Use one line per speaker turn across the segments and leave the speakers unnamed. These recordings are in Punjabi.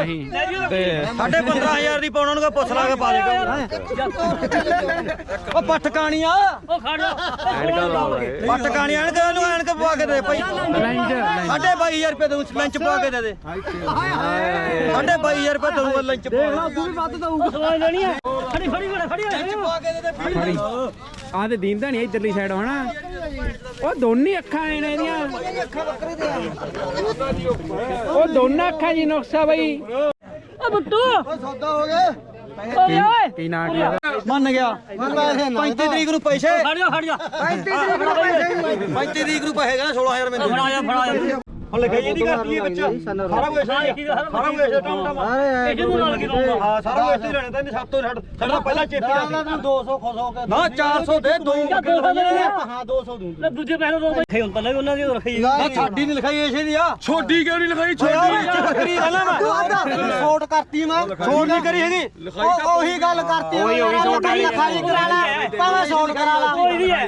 ਨਹੀਂ ਤੇ
15,500 ਦੀ ਪਾਉਣਾ ਨੂੰ ਪੁੱਛ ਲਾ ਕੇ ਪਾ ਦੇ ਉਹ ਪੱਠ ਕਾਣੀਆਂ
ਉਹ ਖੜ ਜਾ
ਪੱਠ ਕਾਣੀਆਂ ਐਨਕ ਨੂੰ ਐਨਕ ਪਵਾ ਕੇ ਦੇ ਭਾਈ 22,500 ਰੁਪਏ ਦਊਂ ਲੰਚ ਪਵਾ ਕੇ ਦੇ 22,500 ਰੁਪਏ ਦਊਂਗਾ ਲੰਚ ਪਵਾ
ਤੂੰ ਵੀ ਵੱਧ ਦਊਗਾ ਸਵਾਲ ਲੈਣੀ ਹੈ ਖੜੀ ਖੜੀ
ਪਵਾ ਕੇ ਦੇ
ਆ ਤੇ ਦੀਂਦਾ ਨਹੀਂ ਇਧਰਲੀ ਸਾਈਡ ਹੋਣਾ ਉਹ ਦੋਨੇ ਅੱਖਾਂ ਨੇ ਇਹਦੀਆਂ ਉਹ ਦੋਨਾਂ ਅੱਖਾਂ ਜੀ ਨੁਕਸਾ ਬਈ
ਓ ਬੁੱਟੂ
ਸੌਦਾ ਹੋ ਗਿਆ
ਓਏ ਓਏ
ਕੀ ਨਾਂ ਕੀ
ਮੰਨ ਗਿਆ 35 ਤਰੀਕ ਨੂੰ ਪੈਸੇ
ਖੜ ਜਾ
35 ਤਰੀਕ ਨੂੰ ਪੈਸੇ ਕਹਿੰਦਾ 16,000 ਮੈਨੂੰ
ਫੜਾ ਜਾ
ਹੁਣ ਲਿਖਾਈ ਇਹਦੀ ਕਰਤੀ ਵਿੱਚ ਸਾਰਾ ਕੁਝ ਸਾਰਾ ਕੁਝ ਟਮ
ਇਹ ਨੂੰ ਨਾਲ ਕੀ ਦਊਗਾ
ਹਾਂ ਸਾਰਾ ਕੁਝ ਇੱਥੇ ਲੈਣੇ ਤਾਂ ਸਭ ਤੋਂ ਸਾਡਾ ਪਹਿਲਾਂ ਚੇਪੀ ਦਾ 200 ਖੁਸ਼ ਹੋ ਕੇ ਨਾ 400 ਦੇ ਦੋ ਹਾਂ 200 ਦੂੰ
ਲੈ ਦੂਜੇ ਪੈਸੇ ਦੋ ਬੈਠੇ ਹੁਣ ਪਹਿਲਾਂ ਵੀ ਉਹਨਾਂ ਦੀ ਰੱਖੀ
ਨਾ ਸਾਡੀ ਨਹੀਂ ਲਿਖਾਈ ਇਸੇ ਦੀ ਆ
ਛੋਟੀ ਕਿਉਂ ਨਹੀਂ ਲਿਖਾਈ ਛੋਟੀ
ਬੱਕਰੀ ਕਹਿੰਦਾ ਮੈਂ ਛੋਟ ਕਰਤੀ ਮੈਂ ਛੋਟ ਨਹੀਂ ਕਰੀ ਹੈਗੀ ਉਹੀ ਗੱਲ ਕਰਤੀ ਉਹੀ ਲਿਖਾਈ ਕਰਾ ਲੈ ਭਾਵੇਂ ਛੋਟ ਕਰਾ ਲਾ
ਕੋਈ ਨਹੀਂ ਹੈ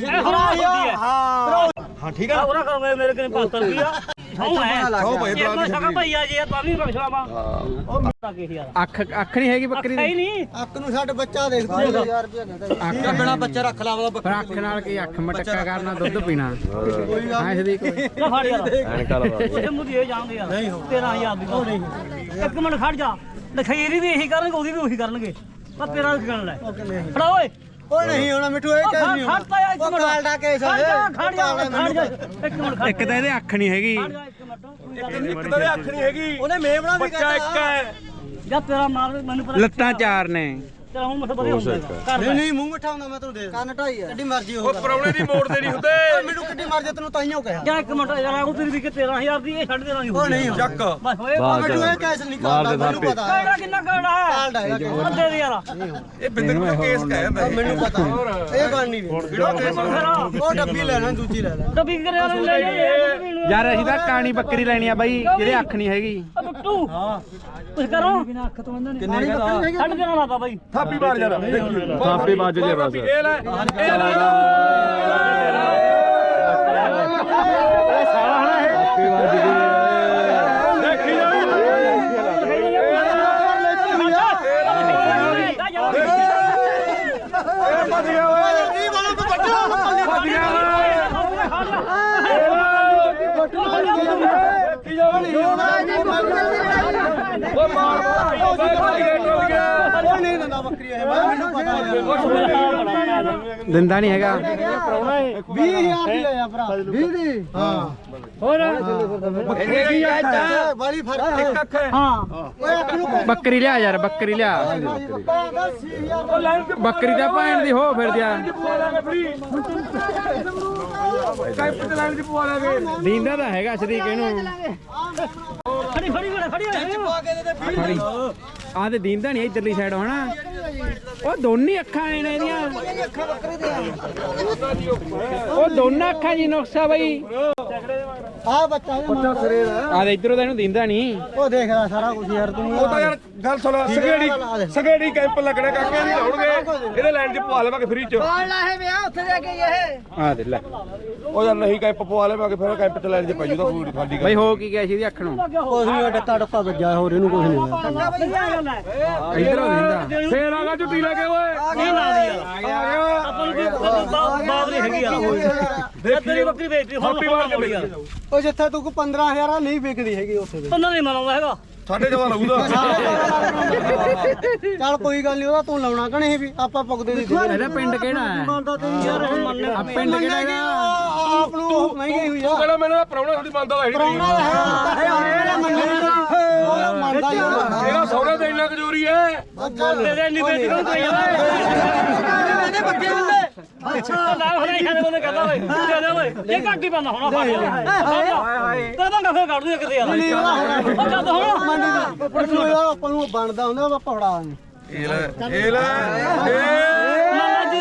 ਹਾਂ ਠੀਕ ਆ
ਉਹਨਾਂ ਕਰੋਗੇ ਮੇਰੇ ਕੋਲ 500 ਰੁਪਿਆ ਸੌ ਹੈ
ਸੌ ਭਾਈ
ਇਹ ਮੈਂ ਸਗਾ ਭਈਆ ਜੀ ਤਾਂ ਵੀ ਬਖਸ਼ਾ ਵਾ ਉਹ ਤਾਂ ਕੀ ਯਾਰ
ਅੱਖ ਨਹੀਂ ਹੈਗੀ ਬੱਕਰੀ
ਹੈ ਹੀ
ਦੀ
ਨਹੀਂ
ਅੱਖ ਨੂੰ ਛੱਡ ਬੱਚਾ ਦੇਖ 1000 ਰੁਪਏ ਕਹਿੰਦਾ ਅੱਖ ਬਿਨਾ ਬੱਚਾ ਰੱਖ ਲਾ ਉਹਦਾ
ਪਰ ਅੱਖ ਨਾਲ ਕੀ ਅੱਖ ਮਟਕਾ ਕਰਨਾ ਦੁੱਧ ਪੀਣਾ ਹਾਂ ਸਦੀਕ
ਲੈ ਫੜ ਯਾਰ ਐਨਕਾ ਲਵਾ ਇਹ ਮੁੱਦੀ ਇਹ ਜਾਣਦੇ ਯਾਰ 13,000 ਦੀ ਨਹੀਂ ਇੱਕ ਮਿੰਟ ਖੜ ਜਾ ਲਖੀਰੀ ਵੀ ਇਹੀ ਕਰਨਗੇ ਉਹਦੀ ਵੀ ਉਹੀ ਕਰਨਗੇ ਪਰ ਤੇਰਾ ਕੀ ਕਰਨ ਲੈ ਫੜਾ ਓਏ
ਉਹ ਨਹੀਂ ਹੋਣਾ ਮਿੱਠੂ ਇਹ ਕੇਸ ਨਹੀਂ ਹੋਣਾ
ਖੜਤਾ ਇੱਕ ਮਿੰਟ
ਕਾਲ ਦਾ ਕੇਸ
ਖੜ ਜਾ ਇੱਕ ਮਿੰਟ
ਇੱਕ ਤਾਂ ਇਹਦੇ ਅੱਖ ਨਹੀਂ ਹੈਗੀ
ਖੜ ਜਾ ਇੱਕ ਮਿੰਟ
ਇੱਕ ਤਾਂ ਅੱਖ ਨਹੀਂ ਹੈਗੀ
ਉਹਨੇ ਮੇਮਣਾ ਵੀ
ਬੱਚਾ ਇੱਕ ਹੈ
ਜਾਂ ਤੇਰਾ ਮਾਰ ਮੈਨੂੰ ਪਤਾ
ਲੱਤਾਂ ਚਾਰ ਨੇ
ਤੇਰਾ ਹੁਣ ਮਤਲਬ ਵਧੀਆ ਹੁੰਦਾ ਕਰ
ਨਹੀਂ ਨਹੀਂ ਮੂੰਹ ਮਿੱਠਾ ਹੁੰਦਾ ਮੈਂ ਤੈਨੂੰ ਦੇ ਕੰਨ ਢਾਈ ਆ ਕਿੱਡੀ ਮਰਜ਼ੀ
ਉਹ
ਹੋ
ਪਰੌਣੇ ਦੀ ਮੋੜ ਦੇ ਨਹੀਂ ਹੁੰਦੇ
ਮੈਨੂੰ ਕਿੱਡੀ ਮਰਜ਼ੀ ਤੈਨੂੰ ਤਾਈਓ ਕਿਹਾ
ਜਾਂ ਇੱਕ ਮਿੰਟ ਯਾਰ ਉਹ ਤੇਰੀ ਵੀ ਕਿ 13,000 ਦੀ ਇਹ ਛੱਡ ਦੇਣਾ ਨਹੀਂ
ਉਹ ਨਹੀਂ
ਚੱਕ
ਬਸ ਹੋਏ
ਮਿੱਠੂ ਇਹ ਕੇਸ ਨਹੀਂ ਕਰਦਾ ਮੈਨੂੰ ਪਤਾ
ਕਿਹੜਾ ਕਿੰਨਾ ਕਰਦਾ
ਕਾਲ ਦਾ ਹੈਗਾ ਕੇਸ
ਅੱਧੇ ਦੀ ਯਾਰ
ਇਹ ਬਿੰਦਰ ਨੂੰ ਕੇਸ ਕਹਿ ਜਾਂਦਾ
ਮੈਨੂੰ ਪਤਾ ਇਹ ਗੱਲ ਨਹੀਂ
ਕਿਹੜਾ ਕੇਸ
ਉਹ ਡੱਬੀ ਲੈਣਾ ਦੂਜੀ ਲੈ ਲੈ
ਡੱਬੀ ਕਰਿਆ ਲੈ ਲੈ
ਯਾਰ ਅਸੀਂ ਤਾਂ ਕਾਣੀ ਬੱਕਰੀ ਲੈਣੀ ਆ ਬਾਈ ਜਿਹਦੇ ਅੱਖ ਨਹੀਂ ਹੈਗੀ
ਬੁੱਟੂ ਹਾਂ ਕੁਝ ਕਰੋ ਬਿਨਾ ਅੱਖ ਤੋਂ ਬੰਦਾ
ਕਿੰਨੇ ਕਹਦਾ
ਛੱਡ ਦੇਣਾ ਲਾਤਾ ਬਾਈ
ਥਾਪੀ ਮਾਰ ਜਾਣਾ
ਥਾਪੀ ਵੱਜ ਜੇ ਬਸ
ਇਹ ਲੈ ਇਹ ਲੈ ਦੇਖੀ ਜਾ ਭੱਜ ਗਿਆ ਓਏ
ਨਹੀਂ ਬੋਲੋ ਬੱਚਾ
ਭੱਜ ਗਿਆ ਦੇਖੀ ਜਾ ਓ ਮਾਰ
ਨਹੀਂ ਦਿੰਦਾ ਬੱਕਰੀ ਇਹ ਮੈਨੂੰ ਪਤਾ
ਦਿੰਦਾ ਨਹੀਂ ਹੈਗਾ
20,000 ਦੀ ਲਿਆ ਭਰਾ 20 ਦੀ ਹਾਂ
ਹੋਰ
ਬੱਕਰੀ ਆ ਵਾਲੀ ਫਰਕ
ਇੱਕ ਅੱਖ ਹੈ
ਹਾਂ
ਓਏ ਅੱਖ ਨੂੰ
ਬੱਕਰੀ ਲਿਆ ਯਾਰ ਬੱਕਰੀ ਲਿਆ ਬੱਕਰੀ ਦਾ ਭੈਣ ਦੀ ਹੋ ਫਿਰ ਜਾ
ਕਾਇਪ ਤੇ ਲਾਈਨ ਚ ਪਵਾ ਲਾਂਗੇ
ਦੀਂਦਾ ਤਾਂ ਹੈਗਾ ਸਦੀਕ ਇਹਨੂੰ
ਫੜੀ
ਪਾ ਕੇ ਦੇ
ਫੜੀ ਆ ਤੇ ਦੀਂਦਾ ਨਹੀਂ ਇਧਰਲੀ ਸਾਈਡ ਹੋਣਾ ਉਹ ਦੋਨੇ ਅੱਖਾਂ ਨੇ ਇਹਦੀਆਂ
ਅੱਖਾਂ ਬੱਕਰੀ ਦੇ
ਉਹ ਦੋਨਾਂ ਅੱਖਾਂ ਜੀ ਨੁਕਸਾ ਬਈ
ਆ ਬੱਚਾ ਸਿਰੇ ਦਾ
ਆ ਤੇ ਇਧਰੋਂ ਤਾਂ ਇਹਨੂੰ ਦੀਂਦਾ ਨਹੀਂ
ਉਹ ਦੇਖ ਲੈ ਸਾਰਾ ਕੁਝ ਯਾਰ ਤੂੰ
ਉਹ ਤਾਂ ਯਾਰ ਗੱਲ ਸੁਣ ਸਗੇੜੀ ਕੈਂਪ ਲੱਗਣਾ ਕਾਕੇ ਨਹੀਂ ਲਾਉਣਗੇ ਇਹਦੇ ਲਾਈਨ 'ਚ ਪਵਾ ਲਵਾਂਗੇ ਫ੍ਰੀ 'ਚ
ਬਾਲ ਲਾਹੇ ਵੇ ਉੱਥੇ ਜਾ ਕੇ ਇਹ
ਆ ਦੇ ਲੈ
ਉਹ ਯਾਰ ਨਹੀਂ ਕੈਂਪ ਪਵਾ ਲਵਾਂਗੇ ਫਿਰ ਕੈਂਪ 'ਚ ਲਾਈਨ 'ਚ ਪੈ ਜੂਦਾ ਪੂਰੀ ਖਾਲੀ
ਬਈ ਹੋ ਕੀ ਗਿਆ ਸੀ ਇਹਦੀ ਅੱਖ ਨੂੰ
ਕੁਝ ਨਹੀਂ ਡੱਕਾ ਡੱਕਾ ਵੱਜਾ ਹੋਰ ਇਹਨੂੰ ਕੁਝ ਨਹੀਂ
ਇਧਰੋਂ ਦੀਂਦਾ
ਫੇਰ ਆ ਗਿਆ ਝੁੱਟੀ ਲੈ ਕੇ ਓਏ
ਨਹੀਂ ਲਾ ਦੀ ਯਾਰ
ਆ ਗਿਆ
ਆਪਾਂ ਨੂੰ ਬਾਤ ਨਹੀਂ ਹੈਗੀ ਯਾਰ ਤੇਰੀ ਬੱਕਰੀ ਵੇਚਦੀ ਹੁਣ
ਥਾਪੀ ਮਾਰ ਕੇ
ਯਾਰ
ਉਹ ਜਿੱਥੇ ਤੂੰ 15,000 ਨਹੀਂ ਵਿਕਦੀ ਹੈਗੀ ਉੱਥੇ ਦੇ
ਬੰਦਾ ਨਹੀਂ ਮਨਾਉਂਦਾ ਹੈਗਾ
ਸਾਡੇ ਜਵਾਨ ਲਾਊਦਾ
ਚੱਲ ਕੋਈ ਗੱਲ ਨਹੀਂ ਉਹਦਾ ਤੂੰ ਲਾਉਣਾ ਕਿ ਨਹੀਂ ਵੀ ਆਪਾਂ ਪੁੱਗਦੇ ਦੀ
ਇਹਦਾ ਪਿੰਡ ਕਿਹੜਾ ਹੈ
ਯਾਰ ਹੁਣ ਮੰਨ
ਆ ਪਿੰਡ ਕਿਹੜਾ ਹੈਗਾ
ਆਪ ਨੂੰ ਮਹਿੰਗੀ ਹੋਈ ਆ
ਕਹਿੰਦਾ ਮੈਨੂੰ ਪ੍ਰਾਹੁਣਾ ਤੁਹਾਡੀ ਮੰਨਦਾ ਤਾਂ
ਮੰਨਦਾ ਹੀ ਹੋਣਾ
ਇਹਦਾ ਸੌਰੇ ਤੇ ਇੰਨਾ ਕਜੋਰੀ ਹੈ
ਤੇਰੇ ਨਹੀਂ ਵੇਚ ਕੋ ਕੋਈ
ਇਹਦੇ ਬੱਗੇ ਹੁੰਦੇ
ਅੱਛਾ ਨਾ ਹੁਣ ਇਹ ਖਾਣੇ ਬੰਦੇ ਕਹਿੰਦਾ ਓਏ ਦੇ ਦੇ ਓਏ ਇਹ ਘੱਟ ਹੀ ਪਾਉਂਦਾ ਹੁਣ ਫੜ ਤੇ ਤਾਂ ਫੇਰ ਕੱਢ ਦੂ ਕਿਤੇ ਯਾਰ ਉਹ ਜਦ ਹੁਣ
ਆਪਾਂ ਨੂੰ ਬਣਦਾ ਹੁੰਦਾ ਆਪਾਂ ਫੜਾ
ਇਹ ਲੈ
ਮਾਮਾ ਜੀ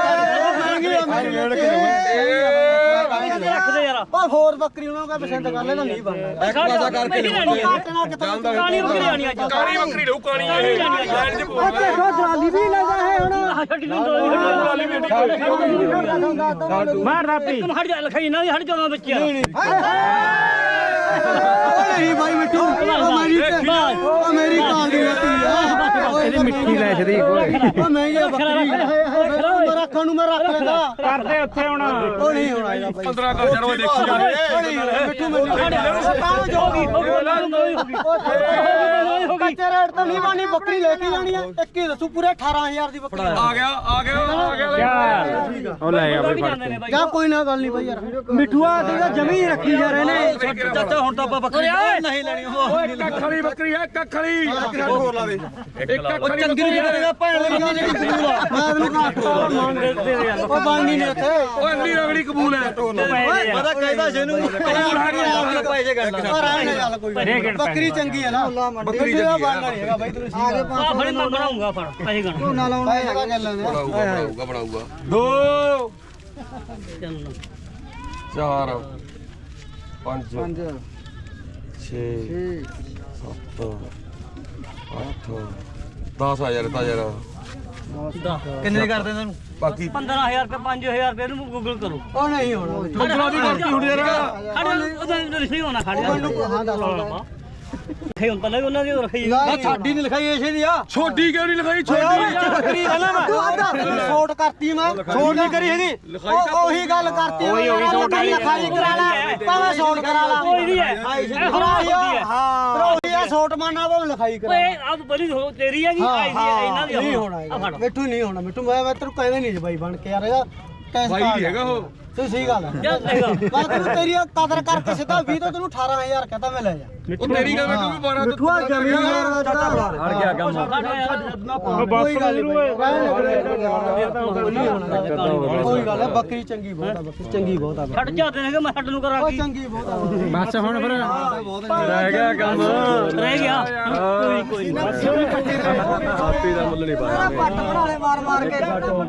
ਰੱਖਦੇ ਯਾਰ
ਉਹ ਹੋਰ ਬੱਕਰੀ ਉਹਨਾਂ ਨੂੰ ਪਸੰਦ ਕਰ ਲੈ ਤਾਂ ਨਹੀਂ ਬਣਦਾ
ਪਾਸਾ ਕਰਕੇ ਕਾਲੀ ਬੱਕਰੀ ਆਣੀ ਅੱਜ
ਕਾਲੀ ਬੱਕਰੀ ਲਊ ਕਾਲੀ ਇਹ ਲਾਈਨ 'ਚ ਪਵਾ
ਦੇਖੋ ਟਰਾਲੀ ਵੀ ਲੱਗਾ ਹੈ ਹੁਣ
ਛੱਡੀ ਨੂੰ ਦੋਲੀ
ਵੀ ਐਡੀ
ਮਾਰ ਰਾਪੀ ਹਟ ਜਾ ਲਖਾਈ ਨਾ ਹਟ ਜਾ ਬੱਚਿਆ
ਨਹੀਂ ਭਾਈ ਮਿੱਠੂ ਉਹ ਮੇਰੀ ਕਾਲ ਦੀ ਬੱਕਰੀ ਆ
ਇਹਦੀ ਮਿੱਠੀ ਲੈ ਛਦੀ
ਉਹ ਮਹਿੰਗੀ ਬੱਕਰੀ ਰੱਖਣ ਨੂੰ ਮੈਂ ਰੱਖ ਲੈਂਦਾ
ਕਰਦੇ ਉੱਥੇ ਹੁਣ
ਉਹ ਨਹੀਂ ਹੋਣਾ ਇਹਦਾ ਭਾਈ
15 ਕਰ ਜਰੋ ਦੇਖੀ ਜਾ
ਮਿੱਠੂ ਮੈਨੂੰ ਕੱਚੇ ਰੇਟ ਤੋਂ ਨਹੀਂ ਬਾਣੀ ਬੱਕਰੀ ਲੈ ਕੇ ਜਾਣੀ ਆ ਇੱਕ ਹੀ ਦੱਸੂ ਪੂਰੇ 18000 ਦੀ ਬੱਕਰੀ
ਆ ਗਿਆ
ਉਹ ਲੈ ਆ ਬਈ ਫੜ ਕੇ
ਜਾਂ ਕੋਈ ਨਾ ਗੱਲ ਨਹੀਂ ਬਾਈ ਯਾਰ ਮਿੱਠੂਆ ਤੇ ਜਮੀ ਰੱਖੀ ਜਾ ਰਹੇ ਨੇ ਚਾਚਾ ਹੁਣ ਤਾਂ ਆਪਾਂ ਬੱਕਰੀ ਨਹੀਂ ਲੈਣੀ
ਓਏ ਕੱਖ ਵਾਲੀ ਬੱਕਰੀ ਹੈ ਕੱਖ ਵਾਲੀ ਹੋਰ ਲਾ ਦੇ ਇੱਕ ਕੱਖ ਵਾਲੀ
ਚੰਗੀ ਜਿਹੜਾ ਭੈਣ ਲੱਗੀ ਜਿਹੜੀ ਕਬੂਲ ਆ ਮੈਂ ਤੈਨੂੰ ਉਹ ਬਾਣੀ ਨੇ ਉੱਥੇ
ਓਏ ਇੰਨੀ ਰਗੜੀ ਕਬੂਲ ਹੈ
ਮੈਂ ਤਾਂ ਕਹਿੰਦਾ ਜਿਹਨੂੰ ਪੈਸੇ ਗੰਢ ਬੱਕਰੀ ਚੰਗੀ ਹੈ ਨਾ ਬੱਕਰੀ ਦਾ ਬਣਨਾ ਨਹੀਂ ਹੈਗਾ ਬਾਈ ਤੈਨੂੰ ਆਗੇ
ਆ ਫੜੀ ਮੈਂ ਬਣਾਉਂਗਾ ਫੜ ਪੈਸੇ ਗਣ
ਨਾ ਲਾਉਣਾ ਹੈਗਾ ਗੱਲ ਨੇ
ਬਣਾਊਗਾ 2 4 5 6 7 8 10,000 ਤਾਂ ਯਾਰ
ਕਿੰਨੇ ਕਰਦੇ ਤੈਨੂੰ
ਬਾਕੀ
15000 ਰੁਪਏ 5000 ਰੁਪਏ ਨੂੰ ਗੂਗਲ ਕਰੋ
ਉਹ ਨਹੀਂ ਹੋਣਾ
ਗੁੱਗਲਾ ਦੀ ਕਰਤੀ ਹੁਣ ਯਾਰ
ਉਹਦਾ ਨਹੀਂ ਹੋਣਾ ਖੜ ਜਾ
ਹਾਂ ਦੱਸ
ਖੇ ਹੁਣ ਪਹਿਲਾਂ ਵੀ ਉਹਨਾਂ ਦੀ ਰੱਖੀ
ਨਾ ਸਾਡੀ ਨਹੀਂ ਲਿਖਾਈ ਇਸੇ ਦੀ ਆ
ਛੋਟੀ ਕਿਉਂ ਨਹੀਂ ਲਿਖਾਈ ਛੋਟੀ
ਬੱਕਰੀ ਹੈ ਨਾ ਮੈਂ ਛੋਟ ਕਰਤੀ ਮੈਂ ਛੋਟ ਨਹੀਂ ਕਰੀ ਹੈਗੀ ਉਹੀ ਗੱਲ ਕਰਤੀ ਉਹੀ ਛੋਟ ਲਿਖਾਈ ਕਰਾ ਲੈ ਭਾਵੇਂ ਛੋਟ ਕਰਾ ਲਾ
ਕੋਈ ਨਹੀਂ ਹੈ
ਹਾਂ ਪਰ ਉਹੀ ਆ ਛੋਟ ਮੰਨਣਾ ਭਾਵੇਂ ਲਿਖਾਈ ਕਰਾ
ਓਏ ਆ ਬੜੀ ਤੇਰੀ ਹੈਗੀ ਆਈ ਦੀ ਇਹਨਾਂ ਦੀ
ਨਹੀਂ ਹੋਣਾ ਮਿੱਠੂ ਨਹੀਂ ਹੋਣਾ ਮਿੱਠੂ ਮੈਂ ਤੈਨੂੰ ਕਹਿੰਦਾ ਨਹੀਂ ਬਾਈ ਬਣ ਕੇ ਯਾਰ ਇਹਦਾ
ਬਾਈ ਨਹੀਂ ਹੈਗਾ ਉਹ
ਤੂੰ ਸਹੀ ਗੱਲ ਹੈ
ਚੱਲ ਦੇਖੋ
ਮੈਂ ਤੈਨੂੰ ਤੇਰੀ ਕਦਰ ਕਰਕੇ ਸਿੱਧਾ 20 ਤੋਂ ਤੈਨੂੰ 18000 ਕਹਤਾ ਮੈਂ ਲੈ ਜਾ
ਉਹ ਤੇਰੀ ਗੱਲ ਮੈਨੂੰ ਵੀ 12
ਮਿੱਠੂਆ ਜਮੀਨ ਯਾਰ ਦਾ
ਅੜ ਗਿਆ ਕੰਮ
ਕੋਈ ਗੱਲ ਨਹੀਂ ਕੋਈ ਗੱਲ ਹੈ ਬੱਕਰੀ ਚੰਗੀ ਬਹੁਤ ਆ ਬੱਕਰੀ ਚੰਗੀ ਬਹੁਤ ਆ
ਛੱਡ ਜਾਂਦੇ ਨੇ ਕਿ ਮੈਂ ਛੱਡ ਨੂੰ ਕਰਾਂ
ਉਹ
ਕੀ
ਚੰਗੀ ਬਹੁਤ ਆ
ਬਸ ਹੁਣ ਫਿਰ
ਰਹਿ ਗਿਆ ਕੰਮ
ਰਹਿ ਗਿਆ ਕੋਈ
ਆਪੀ ਦਾ ਮੁੱਲ ਨਹੀਂ ਪਾਇਆ
ਪੱਟ ਬਣਾ ਲੈ ਮਾਰ ਮਾਰ ਕੇ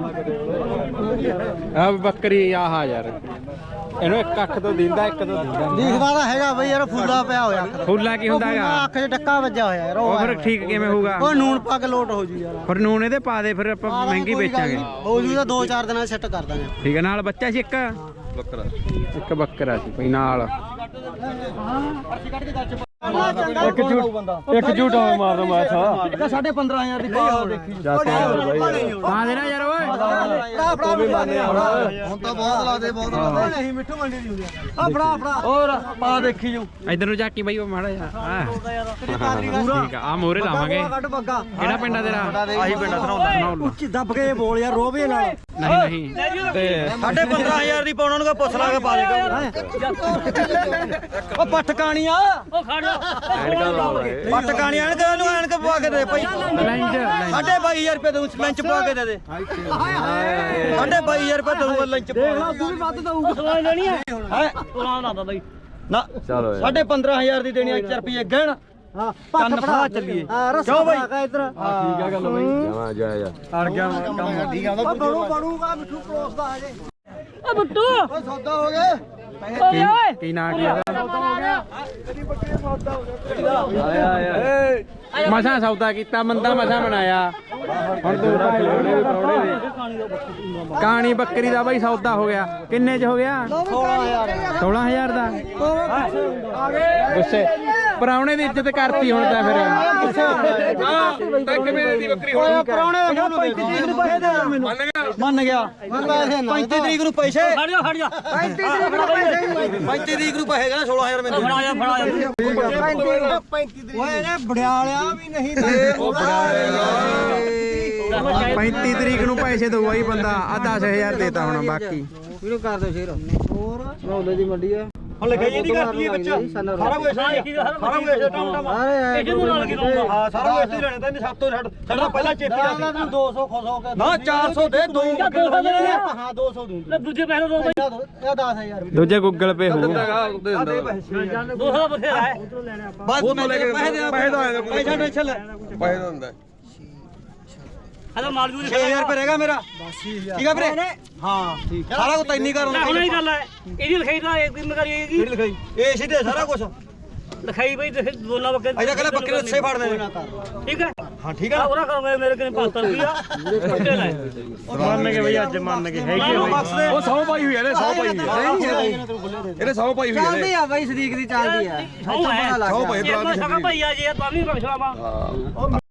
ਆ ਬੱਕਰੀ ਆਹ ਯਾਰ ਇਹਨੂੰ ਇੱਕ ਅੱਖ ਤੋਂ ਦਿੰਦਾ ਇੱਕ ਤੋਂ ਦਿੰਦਾ
ਦਿਖਦਾ ਤਾਂ ਹੈਗਾ ਬਈ ਯਾਰ ਫੁੱਲਾ ਪਿਆ ਹੋਇਆ
ਫੁੱਲਾ ਕੀ ਹੁੰਦਾ ਹੈਗਾ
ਅੱਖ 'ਚ ਡੱਕਾ ਵੱਜਾ ਹੋਇਆ ਯਾਰ
ਉਹ ਫਿਰ ਠੀਕ ਕਿਵੇਂ ਹੋਊਗਾ
ਉਹ ਨੂਣ ਪਾ ਕੇ ਲੋਟ ਹੋ ਜੂ ਯਾਰ
ਫਿਰ ਨੂਨ ਇਹਦੇ ਪਾ ਦੇ ਫਿਰ ਆਪਾਂ ਮਹਿੰਗੀ ਵੇਚਾਂਗੇ
ਹੋ ਜੂ ਤਾਂ 2-4 ਦਿਨਾਂ ਸੈੱਟ ਕਰ ਦਾਂਗੇ
ਠੀਕ ਹੈ ਨਾਲ ਬੱਚਾ ਸੀ ਇੱਕ
ਬੱਕਰਾ
ਇੱਕ ਬੱਕਰਾ ਸੀ ਕੋਈ ਨਾਲ
ਇੱਕ ਝੂਟਾ ਮਾਰਦਾ ਮੈਂ ਥਾ
15,500 ਦੀ ਪਾ ਦੇਖੀ
ਪਾ ਦੇਣਾ ਯਾਰ ਓਏ
ਫੜਾ ਵੀ ਮੰਨੇ ਹੁਣ ਤਾਂ ਬਹੁਤ ਲਾ ਦੇ ਬਹੁਤ ਲਾ ਦੇ ਨਹੀਂ ਮਿੱਠੂ ਮੰਡੀ ਦੀ ਹੁੰਦੀ ਆ ਫੜਾ ਹੋਰ ਪਾ ਦੇਖੀ ਜੂ
ਇਧਰ ਨੂੰ ਝਾਕੀ ਬਾਈ ਉਹ ਮਾੜਾ ਜਿਹਾ ਠੀਕ ਆ ਮੋਰੇ ਲਾਵਾਂਗੇ
ਕੱਢ ਬੱਗਾ
ਕਿਹੜਾ ਪਿੰਡ ਆ ਤੇਰਾ
ਆਹੀ ਪਿੰਡ ਧਨੌਲਾ ਉੱਚੀ ਦੱਬ ਕੇ ਬੋਲ ਯਾਰ ਰੋਵੇ ਨਾਲ
ਨਹੀਂ ਨਹੀਂ ਤੇ
15,500 ਦੀ ਪਾਉਣਾ ਨੂੰ ਪੁੱਛ ਲਾ ਕੇ ਪਾ ਦੇ ਉਹ ਪੱਠ ਕਾਣੀਆਂ
ਉਹ ਖੜ ਜਾ
ਪੱਠ ਕਾਣੀਆਂ ਐਨਕ ਇਹਨੂੰ ਐਨਕ ਪਵਾ ਕੇ ਦੇ ਭਾਈ
ਲੈਂਜ
22,000 ਰੁਪਏ ਦਊਂ ਲੰਚ ਪਵਾ ਕੇ ਦੇ ਦੇ 22,000 ਰੁਪਏ ਦਊਂਗਾ ਲੰਚ ਦੇਖ ਲਾ ਤੂੰ ਵੀ ਵੱਧ ਦਊਂਗਾ
ਸਵਾਲ ਲੈਣੀ ਹੈ
ਹੈ
ਸਵਾਲ ਨਾ ਬਾਈ
ਨਾ ਚਲੋ 15,500 ਦੀ ਦੇਣੀ 4 ਰੁਪਏ ਗਹਿਣ ਹਾਂ ਕੰਨ ਫੜਾ ਚੱਲੀਏ ਕਿਉਂ ਬਾਈ ਇਧਰ
ਠੀਕ ਆ ਗੱਲ ਬਈ ਜਾਵਾ ਜਾ
ਅੜ ਗਿਆ ਕੰਮ ਠੀਕ ਆ ਬਣੂਗਾ ਮਿੱਠੂ ਪਰੋਸਦਾ ਹਜੇ
ਓ ਬੁੱਟੂ
ਓਏ ਸੌਦਾ ਹੋ ਗਿਆ
ਓਏ ਓਏ
ਕੀ ਨਾਂ ਕੀ ਇਹਦਾ
ਆਇਆ
ਮਸਾਂ ਸੌਦਾ ਕੀਤਾ ਮੰਦਾ ਮਸਾਂ ਬਣਾਇਆ ਹੁਣ ਤੂੰ ਰੱਖ ਲੈਣੇ ਵੀ ਪਰੌੜੇ ਦੇ ਕਾਣੀ ਬੱਕਰੀ ਦਾ ਬਾਈ ਸੌਦਾ ਹੋ ਗਿਆ ਕਿੰਨੇ ਚ ਹੋ ਗਿਆ 16,000 ਦਾ ਗੁੱਸੇ ਪਰਾਉਣੇ ਦੀ ਇੱਜ਼ਤ ਕਰਤੀ ਹੁਣ ਤਾਂ ਫਿਰ
ਤਾਂ ਕਿਵੇਂ ਦੀ ਬੱਕਰੀ ਹੁਣ
ਪਰੌਣੇ 35 ਤਰੀਕ ਨੂੰ ਪੈਸੇ ਦੇ ਮੈਨੂੰ ਮੰਨ ਗਿਆ 35 ਤਰੀਕ ਨੂੰ ਪੈਸੇ
ਖੜ ਜਾ
35 ਤਰੀਕ ਨੂੰ ਪੈਸੇ ਕਹਿੰਦਾ 16,000 ਮੈਨੂੰ
ਫੜਾ ਜਾ
35 ਓਏ ਇਹਨੇ ਬੜਿਆਲਿਆ ਵੀ ਨਹੀਂ ਦੇ
35 ਤਰੀਕ ਨੂੰ ਪੈਸੇ ਦਊਗਾ ਹੀ ਬੰਦਾ ਆ 10,000 ਦੇਤਾ ਹੁਣ ਬਾਕੀ
ਇਹਨੂੰ ਕਰ ਦਿਓ ਸ਼ੇਰ ਹੋਰ ਰੌਲੇ ਦੀ ਮੰਡੀ ਆ ਹੁਣ ਲਿਖਾਈ ਇਹਦੀ ਕਰਤੀ ਹੈ ਵਿੱਚ ਸਾਰਾ ਕੁਝ ਸਾਰਾ ਕੁਝ ਟਮ
ਇਹ ਜਿਹਨੂੰ ਨਾਲ ਕੀ ਦਊਂਗਾ
ਹਾਂ ਸਾਰਾ ਕੁਝ ਹੀ ਲੈਣਾ ਤਾਂ ਸਭ ਤੋਂ ਸਾਡਾ ਪਹਿਲਾਂ ਚੇਪੀ ਦਾ 200 ਖੁਸ਼ ਹੋ ਕੇ ਨਾ 400 ਦੇ ਦੋ ਹਾਂ 200 ਦੂੰ
ਲੈ ਦੂਜੇ ਪੈਸੇ ਦੋ ਬਾਈ
ਇਹ 10,000
ਦੂਜੇ ਗੂਗਲ ਪੇ ਹੋਊ
ਦੋ ਦਾ ਬਥੇਰਾ ਹੈ
ਬਸ ਉਹ ਲੈ ਕੇ ਪੈਸੇ ਦਾ ਪੈਸਾ ਟੈਨਸ਼ਨ ਲੈ
ਪੈਸੇ ਦਾ ਹੁੰਦਾ
ਹਲਾ ਮਾਲ ਜੂਰੀ
6000 ਰੁਪਏ ਰਹੇਗਾ ਮੇਰਾ ਠੀਕ ਆ ਵੀਰੇ ਹਾਂ ਠੀਕ ਸਾਰਾ ਕੁਝ ਤੈਨੂੰ ਕਰ
ਹੁਣ ਹੀ ਗੱਲ ਹੈ ਇਹਦੀ ਲਿਖਾਈ ਤਾਂ ਇੱਕ ਦਿਨ ਕਰੀਏਗੀ
ਕਿਹੜੀ ਲਿਖਾਈ ਇਹ ਸਿੱਧੇ ਸਾਰਾ ਕੁਝ
ਲਿਖਾਈ ਬਈ ਦੋਨਾਂ ਬੱਕਰੇ
ਅਜਾ ਕਹਿੰਦਾ ਬੱਕਰੇ ਅੱਛੇ ਫੜਦੇ ਨੇ
ਠੀਕ ਹੈ
ਹਾਂ ਠੀਕ ਹੈ
ਉਹਦਾ ਕਰੋਗੇ ਮੇਰੇ ਕੋਲ 500 ਰੁਪਿਆ ਉੱਤੇ ਲੈ
ਮੰਨ ਕੇ ਬਈ ਅੱਜ ਮੰਨ ਕੇ ਹੈਗੀ
ਉਹ 100 ਪਾਈ ਹੋਈ ਇਹਨੇ 100 ਪਾਈ ਹੋਈ ਇਹਨੇ 100 ਪਾਈ ਹੋਈ
ਚੱਲਦੀ ਆ ਬਾਈ ਸਦੀਕ ਦੀ ਚੱਲਦੀ ਆ
ਉਹ ਹੈ
100 ਪਾਈ
ਇਹ ਤਾਂ ਸ਼ਕਾ ਭਈਆ ਜੀ ਤਾਂ ਵੀ ਬਖਸ਼ਾਵਾ